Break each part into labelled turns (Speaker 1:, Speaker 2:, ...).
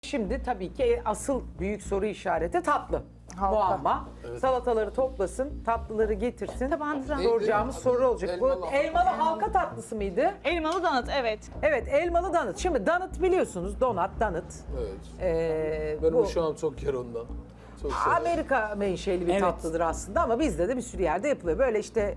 Speaker 1: Şimdi tabii ki asıl büyük soru işareti tatlı.
Speaker 2: Halka.
Speaker 1: Muamma. Salataları toplasın, tatlıları getirsin.
Speaker 3: Tabağınıza.
Speaker 1: Soracağımız soru olacak. Bu elmalı halka tatlısı mıydı?
Speaker 3: Elmalı donut, evet.
Speaker 1: Evet, elmalı donut. Şimdi donut biliyorsunuz, donut.
Speaker 4: Evet. Benim
Speaker 1: bu
Speaker 4: uşağım çok yer ondan. Çok severim.
Speaker 1: Amerika menşeli bir
Speaker 5: Evet.
Speaker 1: tatlıdır aslında ama bizde de bir sürü yerde yapılıyor. Böyle işte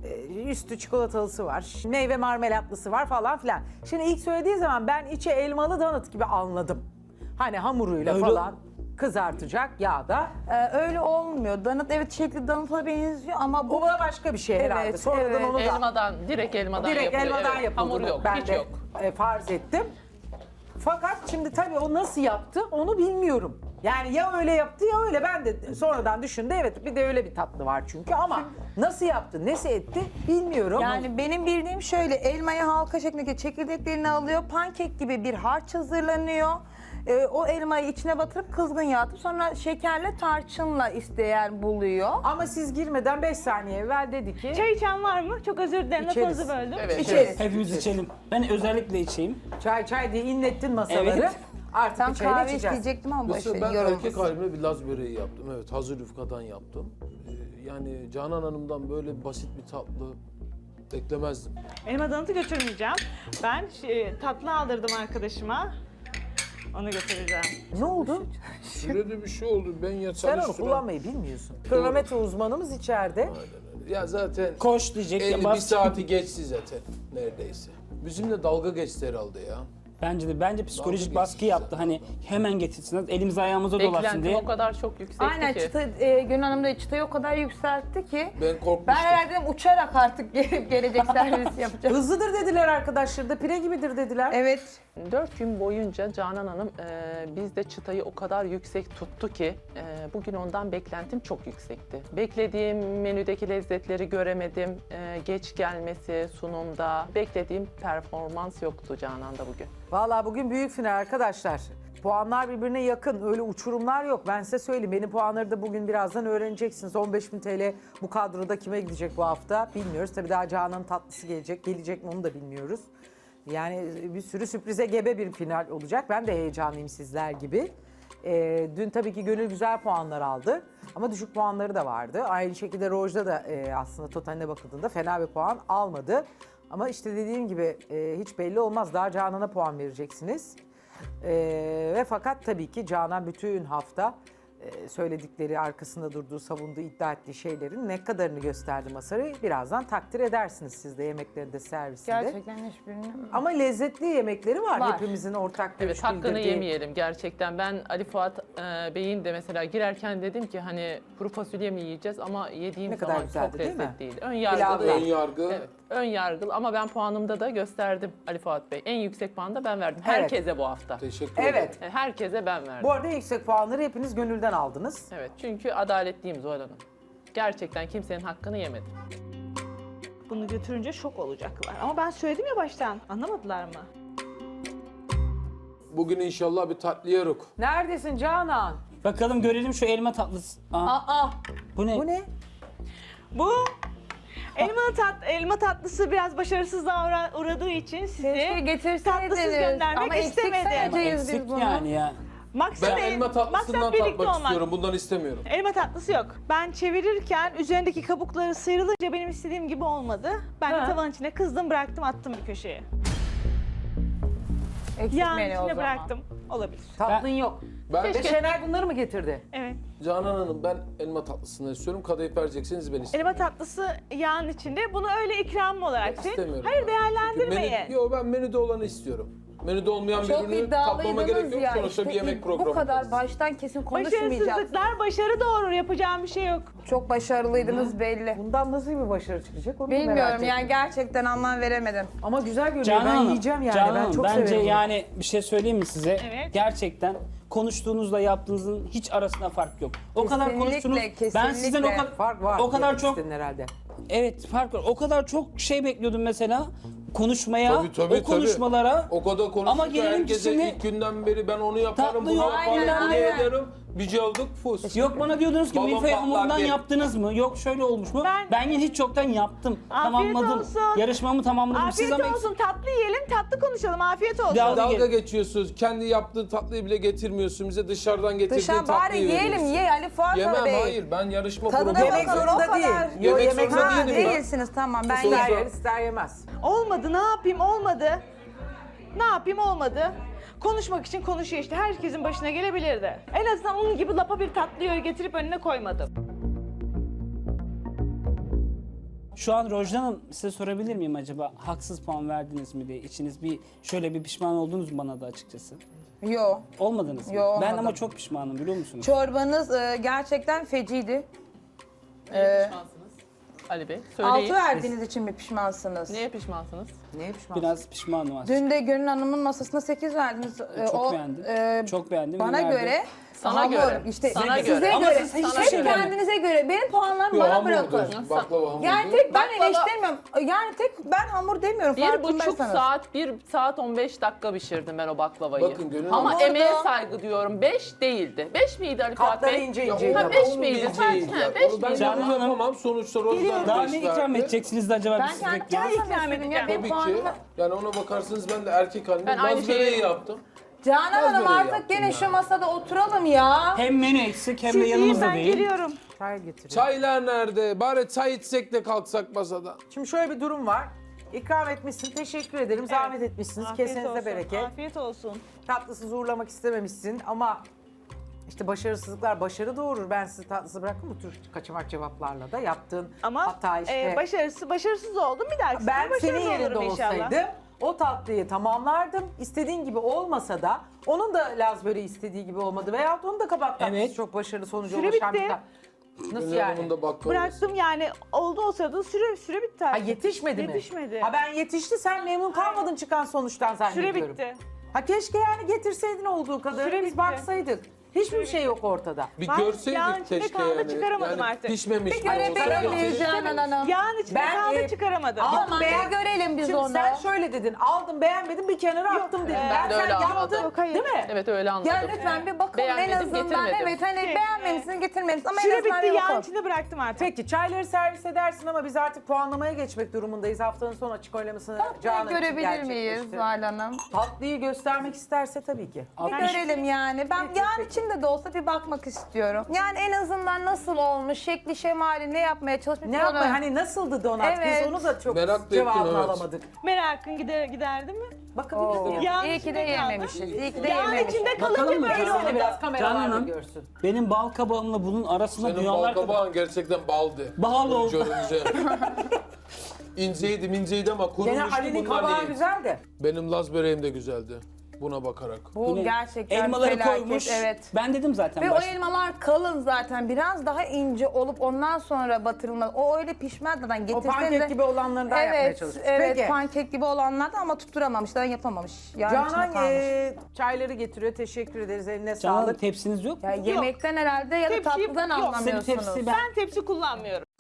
Speaker 1: üstü çikolatalısı var, meyve marmelatlısı var falan filan. Şimdi ilk söylediği zaman ben içi elmalı donut gibi anladım. Hani hamuruyla
Speaker 5: Öyle-
Speaker 1: falan kızartacak yağda.
Speaker 2: Öyle olmuyor. Donut evet şekli donut'a benziyor ama
Speaker 1: Bu
Speaker 2: bu
Speaker 1: da başka bir şey herhalde.
Speaker 2: Evet,
Speaker 1: Sonradan
Speaker 2: evet.
Speaker 1: onu da
Speaker 6: Direkt elmadan
Speaker 1: direkt
Speaker 6: yapılıyor.
Speaker 1: elmadan
Speaker 6: evet.
Speaker 1: yapıldı.
Speaker 6: Hamur yok,
Speaker 1: Ben
Speaker 6: hiç
Speaker 1: de
Speaker 6: yok.
Speaker 1: farz ettim. Fakat şimdi tabii o nasıl yaptı onu bilmiyorum. Yani ya öyle yaptı ya öyle. Ben de sonradan düşündüm. Evet bir de öyle bir tatlı var çünkü ama nasıl yaptı, nasıl etti bilmiyorum.
Speaker 2: yani benim bildiğim şöyle elmayı halka şeklindeki çekirdeklerini alıyor. Pankek gibi bir harç hazırlanıyor. O elmayı içine batırıp kızgın yağlatıp sonra şekerle tarçınla isteyen buluyor.
Speaker 1: Ama siz girmeden 5 saniye evvel dedi ki
Speaker 3: Çay içen var mı? Çok özür dilerim,
Speaker 1: İçeriz.
Speaker 3: lafınızı böldüm.
Speaker 6: Evet.
Speaker 1: içeriz.
Speaker 5: Hepimiz içelim. Ben özellikle içeyim.
Speaker 1: Çay diye inlettin masaları.
Speaker 5: Evet.
Speaker 1: Artık
Speaker 2: Tam
Speaker 1: bir çayla
Speaker 2: kahve
Speaker 1: içeceğiz.
Speaker 2: isteyecektim ama
Speaker 4: Mesela
Speaker 2: boş
Speaker 4: ben
Speaker 2: verin,
Speaker 4: erkek
Speaker 2: yorulmasın.
Speaker 4: halimle bir Laz böreği yaptım. Evet, hazır yufkadan yaptım. Yani Canan Hanım'dan böyle basit bir tatlı beklemezdim.
Speaker 3: Elma donutu götürmeyeceğim. Ben tatlı aldırdım arkadaşıma. Onu götüreceğim.
Speaker 1: Ne oldu?
Speaker 4: Şöyle bir şey oldu. Ben ya
Speaker 1: Sen onu
Speaker 4: çalıştıran...
Speaker 1: kullanmayı bilmiyorsun. Kronometre uzmanımız içeride.
Speaker 4: Aynen öyle. Ya zaten
Speaker 5: Koş diyecek.
Speaker 4: 50 bir
Speaker 5: bas-
Speaker 4: saati geçti zaten neredeyse. Bizimle dalga geçti herhalde ya.
Speaker 5: Bence psikolojik
Speaker 4: Dalga
Speaker 5: baskı
Speaker 4: geçti
Speaker 5: yaptı.
Speaker 4: zaten.
Speaker 5: Hani hemen getirsin. Elimiz ayağımıza dolaşsın
Speaker 6: Beklentim
Speaker 5: diye.
Speaker 6: o kadar çok yüksekti
Speaker 2: Aynen
Speaker 6: ki.
Speaker 2: çıta, Gönül Hanım da çıtayı o kadar yükseltti ki.
Speaker 4: Ben korkmuştum.
Speaker 2: Ben herhalde dedim, uçarak artık gelecek servis yapacağım.
Speaker 1: Hızlıdır dediler arkadaşlar da pire gibidir dediler.
Speaker 2: Evet.
Speaker 6: 4 gün boyunca Canan Hanım bizde çıtayı o kadar yüksek tuttu ki bugün ondan beklentim çok yüksekti. Beklediğim menüdeki lezzetleri göremedim. Geç gelmesi, sunumda beklediğim performans yoktu Canan'da bugün.
Speaker 1: Vallahi bugün büyük final arkadaşlar. Puanlar birbirine yakın. Öyle uçurumlar yok. Ben size söyleyeyim. Benim puanları da bugün birazdan öğreneceksiniz. 15.000 TL bu kadroda kime gidecek bu hafta bilmiyoruz. Tabii daha Canan'ın tatlısı gelecek. Gelecek mi onu da bilmiyoruz. Yani bir sürü sürprize gebe bir final olacak. Ben de heyecanlıyım sizler gibi. Dün tabii ki Gönül güzel puanlar aldı. Ama düşük puanları da vardı. Aynı şekilde Rojda da aslında totaline bakıldığında fena bir puan almadı. Ama işte dediğim gibi hiç belli olmaz. Daha Canan'a puan vereceksiniz. Ve fakat tabii ki Canan bütün hafta söyledikleri, arkasında durduğu, savunduğu, iddia ettiği şeylerin ne kadarını gösterdi masayı. Birazdan takdir edersiniz siz de yemeklerinde, servisinde.
Speaker 2: Gerçekten hiçbirini...
Speaker 1: Ama lezzetli yemekleri var.
Speaker 2: Var.
Speaker 1: Hepimizin ortak görüş
Speaker 6: Evet, hakkını
Speaker 1: bildirdiği.
Speaker 6: yemeyelim gerçekten. Ben Ali Fuat Bey'in de mesela girerken dedim ki hani kuru fasulye mi yiyeceğiz ama yediğim
Speaker 1: Ne kadar
Speaker 6: zaman
Speaker 1: güzeldi,
Speaker 6: çok
Speaker 1: değil mi?
Speaker 6: lezzetliydi. Ön
Speaker 1: Pilavla.
Speaker 6: yargılı.
Speaker 4: Ön yargı.
Speaker 6: Evet, ön yargılı ama ben puanımda da gösterdim Ali Fuat Bey. En yüksek puanı da ben verdim.
Speaker 1: Evet.
Speaker 6: Herkese bu hafta.
Speaker 4: Teşekkür ederim.
Speaker 1: Evet.
Speaker 6: Herkese ben verdim.
Speaker 1: Bu arada en yüksek puanları hepiniz Gönül'den aldınız.
Speaker 6: Evet, çünkü adaletliyim Zuhal Hanım. Gerçekten kimsenin hakkını yemedim.
Speaker 3: Bunu götürünce şok olacaklar. Ama ben söyledim ya baştan. Anlamadılar mı?
Speaker 4: Bugün inşallah bir tatlı yeruk.
Speaker 1: Neredesin Canan?
Speaker 5: Bakalım görelim şu elma tatlısı.
Speaker 2: Aa,
Speaker 5: Bu ne?
Speaker 1: Bu ne?
Speaker 3: Bu elma tatlısı biraz başarısızlığa uğradığı için
Speaker 2: keşke
Speaker 3: sizi
Speaker 2: getirseydiniz.
Speaker 3: tatlısız göndermek
Speaker 2: Ama eksik
Speaker 3: istemedim.
Speaker 2: sayacağız biz
Speaker 5: Eksik
Speaker 2: bunu.
Speaker 5: yani ya.
Speaker 3: Maksat
Speaker 4: Ben
Speaker 3: el-
Speaker 4: elma tatlısından
Speaker 3: maksat birlikte
Speaker 4: tatmak
Speaker 3: olmak.
Speaker 4: istiyorum. Bundan istemiyorum.
Speaker 3: Elma tatlısı yok. Ben çevirirken üzerindeki kabukları sıyrılınca benim istediğim gibi olmadı. Ben de tavanın içine kızdım, bıraktım, attım bir köşeye.
Speaker 2: Eksik
Speaker 3: Yağın
Speaker 2: menü o
Speaker 3: içine
Speaker 2: zaman.
Speaker 3: bıraktım. Olabilir.
Speaker 1: Tatlın yok.
Speaker 4: Ben
Speaker 1: Ve Şener bunları mı getirdi?
Speaker 3: Evet.
Speaker 4: Canan Hanım ben elma tatlısını istiyorum. Kadayıf verecekseniz ben istiyorum.
Speaker 3: Elma tatlısı yağın içinde. Bunu öyle ikram olarak değil.
Speaker 4: İstemiyorum.
Speaker 3: Hayır,
Speaker 4: ben.
Speaker 3: değerlendirmeyin.
Speaker 4: Çünkü Yok ben menüde olanı istiyorum. Menüde olmayan
Speaker 2: Çok
Speaker 4: birini tatmama gerek
Speaker 2: iddialıydınız
Speaker 4: yok.
Speaker 2: ya.
Speaker 4: Sonuçta
Speaker 2: İşte
Speaker 4: bir yemek
Speaker 2: bu
Speaker 4: programı.
Speaker 2: kadar baştan kesin konuşmayacağız.
Speaker 3: Başarısızlıklar başarı doğurur. Yapacağım bir şey yok.
Speaker 2: Çok başarılıydınız belli.
Speaker 1: Bundan nasıl bir başarı çıkacak onu da merak
Speaker 2: Bilmiyorum
Speaker 1: ettim.
Speaker 2: yani gerçekten anlam veremedim.
Speaker 1: Ama güzel görünüyor.
Speaker 5: Canan
Speaker 1: Ben
Speaker 5: Hanım,
Speaker 1: yiyeceğim yani.
Speaker 5: Canan
Speaker 1: Ben
Speaker 5: Hanım,
Speaker 1: çok
Speaker 5: bence
Speaker 1: severim bunu.
Speaker 5: yani bir şey söyleyeyim mi size?
Speaker 3: Evet.
Speaker 5: Gerçekten konuştuğunuzla yaptığınızın hiç arasında fark yok. O kadar
Speaker 2: Kesinlikle,
Speaker 5: konuştunuz. Ben
Speaker 2: kesinlikle.
Speaker 5: sizden o kadar
Speaker 1: Fark var.
Speaker 5: o kadar
Speaker 1: demek
Speaker 5: çok
Speaker 1: istedin herhalde.
Speaker 5: evet fark var. O kadar çok şey bekliyordum mesela konuşmaya,
Speaker 4: Tabii,
Speaker 5: o konuşmalara.
Speaker 4: O kadar konuştuk
Speaker 5: Ama
Speaker 4: ki
Speaker 5: gelelim
Speaker 4: herkese
Speaker 5: şimdi-
Speaker 4: ilk günden beri ben onu yaparım,
Speaker 5: Tatlı
Speaker 4: bunu
Speaker 5: yok,
Speaker 4: yaparım,
Speaker 2: aynen,
Speaker 4: bunu
Speaker 2: aynen.
Speaker 4: ederim. Bir cevduk fus.
Speaker 5: Yok bana diyordunuz ki
Speaker 4: Balon
Speaker 5: milföy
Speaker 4: patlar
Speaker 5: hamurundan
Speaker 4: diye.
Speaker 5: yaptınız mı? Yok şöyle olmuş mu?
Speaker 3: Ben-
Speaker 5: yine hiç çoktan yaptım.
Speaker 3: Afiyet
Speaker 5: Tamamladım.
Speaker 3: olsun.
Speaker 5: Yarışmamı tamamladım.
Speaker 3: Afiyet
Speaker 5: ama
Speaker 3: olsun, tatlı yiyelim, tatlı konuşalım. Afiyet olsun.
Speaker 5: Ya-
Speaker 4: Dalga geçiyorsunuz. Kendi yaptığı tatlıyı bile getirmiyorsun. Bize dışarıdan getirdiğin
Speaker 2: Dışarı bari
Speaker 4: tatlıyı
Speaker 2: yiyelim
Speaker 4: veriyorsun.
Speaker 2: ye Ali Fuat
Speaker 4: Yemem
Speaker 2: Bey.
Speaker 4: hayır. Ben yarışma
Speaker 2: Tadına
Speaker 4: programı
Speaker 1: Yemek
Speaker 2: bakın,
Speaker 4: yapıyorum.
Speaker 2: o
Speaker 1: zorunda değil.
Speaker 2: kadar.
Speaker 1: Yo,
Speaker 4: Yemek
Speaker 1: yemek
Speaker 4: zorunda
Speaker 1: zorunda
Speaker 2: Ha,
Speaker 1: değil.
Speaker 2: değilsiniz tamam ben
Speaker 4: Sus.
Speaker 1: İster
Speaker 2: yerim.
Speaker 1: yer ister yemez.
Speaker 3: Olmadı, ne yapayım, olmadı. Ne yapayım, olmadı. Konuşmak için konuşuyor işte. Herkesin başına gelebilirdi. En azından onun gibi lapa bir tatlıyı getirip önüne koymadım.
Speaker 5: Şu an Rojda Hanım size sorabilir miyim acaba haksız puan verdiniz mi diye içiniz bir şöyle bir pişman oldunuz mu bana da açıkçası?
Speaker 2: Yo.
Speaker 5: Olmadınız mı?
Speaker 2: Yo,
Speaker 5: Ben
Speaker 2: olmadım.
Speaker 5: ama çok pişmanım biliyor musunuz?
Speaker 2: Çorbanız gerçekten feciydi.
Speaker 6: Neye pişmansınız? Ali Bey, söyleyin.
Speaker 2: 6 verdiğiniz için mi pişmansınız?
Speaker 6: Neye pişmansınız?
Speaker 1: Neye pişman?
Speaker 5: Biraz pişmanım aslında.
Speaker 2: Dün de Gönül Hanım'ın masasına 8 verdiniz.
Speaker 5: Çok beğendim. Çok beğendim.
Speaker 2: Bana
Speaker 5: Nerede?
Speaker 2: göre
Speaker 6: Sana
Speaker 2: hamur,
Speaker 6: göre.
Speaker 2: işte
Speaker 6: Sana
Speaker 2: size
Speaker 6: göre.
Speaker 5: Ama
Speaker 2: göre.
Speaker 5: siz hiçbir
Speaker 2: Hep
Speaker 5: şey beğenmediniz.
Speaker 2: kendinize göre. Benim puanlarımı
Speaker 4: Yo,
Speaker 2: bana
Speaker 4: hamurdu.
Speaker 2: bırakın.
Speaker 4: Baklava hamurdu.
Speaker 2: Yani tek ben
Speaker 6: Baklava-
Speaker 2: eleştirmiyorum. Yani tek ben hamur demiyorum.
Speaker 6: 1,5
Speaker 2: farkındaysanız.
Speaker 6: saat, 1 saat 15 dakika pişirdim ben o baklavayı.
Speaker 4: Bakın Gönül
Speaker 6: Ama
Speaker 2: Hamurda-
Speaker 6: emeğe saygı diyorum. 5 değildi. 5 miydi Ali Fuat
Speaker 1: Katları
Speaker 6: Bey?
Speaker 1: ince
Speaker 4: Ya
Speaker 1: ince.
Speaker 6: Ha,
Speaker 1: yapar.
Speaker 6: beş
Speaker 4: onu
Speaker 6: miydi?
Speaker 4: bileceğiz
Speaker 6: Sen-
Speaker 4: ya.
Speaker 6: ha, beş
Speaker 4: Onu ben
Speaker 6: miydi?
Speaker 5: Canan Hanım.
Speaker 4: yapamam. Sonuçta Rozan
Speaker 5: Daha
Speaker 4: beş
Speaker 5: ne ikram
Speaker 4: verdi.
Speaker 5: edeceksiniz de acaba
Speaker 2: Ben
Speaker 5: biz
Speaker 2: kendi
Speaker 5: bekleyen?
Speaker 2: kendime
Speaker 3: ikram
Speaker 2: söyledim ya.
Speaker 3: edeceğim.
Speaker 2: Benim
Speaker 4: Tabii ki.
Speaker 2: puanımı...
Speaker 4: Yani ona bakarsanız ben de erkek halimde
Speaker 6: Ben aynı
Speaker 4: Laz böreği
Speaker 6: şeyi-
Speaker 4: yaptım.
Speaker 2: Canan
Speaker 4: Laz
Speaker 2: Hanım
Speaker 4: böreği
Speaker 2: artık
Speaker 4: yaptım
Speaker 2: gene
Speaker 4: yani.
Speaker 2: şu masada oturalım ya.
Speaker 5: Hem menü eksik hem de
Speaker 3: Siz yiyin,
Speaker 5: yanımızda
Speaker 3: ben
Speaker 5: değil.
Speaker 3: geliyorum.
Speaker 1: Çay getiriyor.
Speaker 4: Çaylar nerede? Bari çay içsek de kalksak masada.
Speaker 1: Şimdi şöyle bir durum var. İkram etmişsin, teşekkür ederim. Zahmet etmişsiniz,
Speaker 3: Afiyet
Speaker 1: kesenize
Speaker 3: olsun,
Speaker 1: bereket.
Speaker 3: Afiyet olsun.
Speaker 1: Tatlısız uğurlamak istememişsin ama işte başarısızlıklar başarı doğurur. Ben sizi tatlısı bırakın bu tür kaçamak cevaplarla da yaptığın
Speaker 3: Ama
Speaker 1: hata işte.
Speaker 3: başarısız oldum. Bir dahaki
Speaker 1: Ben
Speaker 3: sefer
Speaker 1: senin
Speaker 3: başarılı
Speaker 1: yerinde
Speaker 3: olurum inşallah.
Speaker 1: olsaydım o tatlıyı tamamlardım. İstediğin gibi olmasa da onun da Laz böreği istediği gibi olmadı. Veyahut onun da kabak tatlısı
Speaker 5: Evet.
Speaker 1: çok başarılı sonuca
Speaker 3: Süre
Speaker 1: ulaşan
Speaker 3: bitti.
Speaker 1: bir Nasıl
Speaker 4: Gönül
Speaker 1: yani?
Speaker 4: Hanım'ın da baklavası.
Speaker 3: Bıraktım yani oldu o sırada süre bitti
Speaker 1: Ha
Speaker 3: artık.
Speaker 1: yetişmedi mi?
Speaker 3: Yetişmedi.
Speaker 1: Ha ben yetişti sen memnun kalmadın çıkan sonuçtan zannediyorum.
Speaker 3: Süre bitti.
Speaker 1: Ha keşke yani getirseydin olduğu kadarını
Speaker 3: Süre
Speaker 1: biz
Speaker 3: bitti.
Speaker 1: baksaydık. Hiçbir şey yok ortada.
Speaker 4: Bir
Speaker 3: Ben yağın
Speaker 4: görseydik
Speaker 3: içinde
Speaker 4: keşke
Speaker 3: kaldı,
Speaker 4: yani.
Speaker 3: çıkaramadım
Speaker 4: Yani
Speaker 3: artık.
Speaker 4: pişmemiş.
Speaker 2: Bir görebilir miyiz Canan Hanım?
Speaker 3: Yağın içinde
Speaker 1: Ben,
Speaker 3: kaldı
Speaker 1: e,
Speaker 3: çıkaramadım.
Speaker 1: Al-
Speaker 2: Tamam
Speaker 1: Beğen-
Speaker 2: bir görelim biz
Speaker 1: Şimdi
Speaker 2: onu.
Speaker 1: sen şöyle dedin, aldım beğenmedim bir kenara attım dedin.
Speaker 6: ben de
Speaker 1: sen
Speaker 6: öyle anladım.
Speaker 1: yaptın
Speaker 3: Yok, hayır.
Speaker 1: değil mi?
Speaker 6: Evet öyle anladım.
Speaker 2: Ya lütfen bir bakın en
Speaker 6: Beğenmedim,
Speaker 2: azından
Speaker 6: getirmedim.
Speaker 2: evet hani
Speaker 3: Şey,
Speaker 2: beğenmemişsiniz getirmemişsiniz ama en
Speaker 3: Süre
Speaker 2: azından
Speaker 3: bitti
Speaker 2: bir
Speaker 3: yağın
Speaker 2: bakın.
Speaker 3: içinde bıraktım artık.
Speaker 1: Peki çayları servis edersin ama biz artık puanlamaya geçmek durumundayız. Haftanın son açık oylamasını Canan için
Speaker 2: Görebilir miyiz
Speaker 1: gerçekleşti.
Speaker 2: Zuhal Hanım?
Speaker 1: Tatlıyı göstermek isterse tabii ki.
Speaker 2: Bir görelim yani. Ben yani içinde de olsa bir bakmak istiyorum. Yani en azından nasıl olmuş, şekli şemali ne yapmaya çalışmış.
Speaker 1: Ne
Speaker 2: onu-
Speaker 1: yapma hani nasıldı donat?
Speaker 2: Evet.
Speaker 1: Biz onu da çok
Speaker 4: Merak da ettim,
Speaker 1: cevabını
Speaker 4: evet.
Speaker 1: alamadık.
Speaker 3: Merakın giderdi mi?
Speaker 1: Bakabiliriz.
Speaker 3: Yağın
Speaker 2: İyi ki de
Speaker 3: içinde kaldı.
Speaker 2: yememişiz. İyi ki de
Speaker 3: Yağın
Speaker 2: yememişiz.
Speaker 3: içinde
Speaker 5: Bakalım
Speaker 3: kalınca
Speaker 5: mı?
Speaker 3: böyle
Speaker 5: Kesin
Speaker 1: Seni
Speaker 3: oldu.
Speaker 1: biraz
Speaker 5: Canan
Speaker 1: kameralarda
Speaker 5: Hanım.
Speaker 1: görsün.
Speaker 5: Benim bal kabağımla bunun arasında
Speaker 4: Senin
Speaker 5: dünyalar kadar.
Speaker 4: balkabağın gerçekten baldı.
Speaker 5: Bal oldu.
Speaker 4: Görünce. İnceydi ama
Speaker 1: Gene
Speaker 4: kurumuştu
Speaker 1: Ali'nin
Speaker 4: bunlar
Speaker 1: kabağı
Speaker 4: değil.
Speaker 1: güzel de.
Speaker 4: Benim Laz böreğim de güzeldi. Buna bakarak.
Speaker 2: Bu
Speaker 5: Yine
Speaker 2: gerçekten
Speaker 5: elmaları
Speaker 2: felaket.
Speaker 5: koymuş.
Speaker 2: Evet.
Speaker 5: Ben dedim zaten
Speaker 2: Ve o
Speaker 5: başta.
Speaker 2: elmalar kalın zaten. Biraz daha ince olup ondan sonra batırılmaz. O öyle pişmezden
Speaker 1: O
Speaker 2: getirseniz
Speaker 1: pankek gibi olanlarından yapmaya
Speaker 2: Evet,
Speaker 1: çalışmış.
Speaker 2: evet
Speaker 1: Peki.
Speaker 2: pankek gibi olanlardan ama tutturamamışlar, yapamamış. Yani içinde
Speaker 1: Canan
Speaker 2: kalmış.
Speaker 1: çayları getiriyor. Teşekkür ederiz. Eline
Speaker 5: Canan Hanım
Speaker 1: sağlık.
Speaker 5: tepsiniz yok mu?
Speaker 2: Ya yemekten herhalde ya da
Speaker 3: Tepsi-
Speaker 2: tatlıdan
Speaker 3: yok.
Speaker 2: anlamıyorsunuz.
Speaker 5: Senin tepsi ben-
Speaker 3: Ben tepsi kullanmıyorum.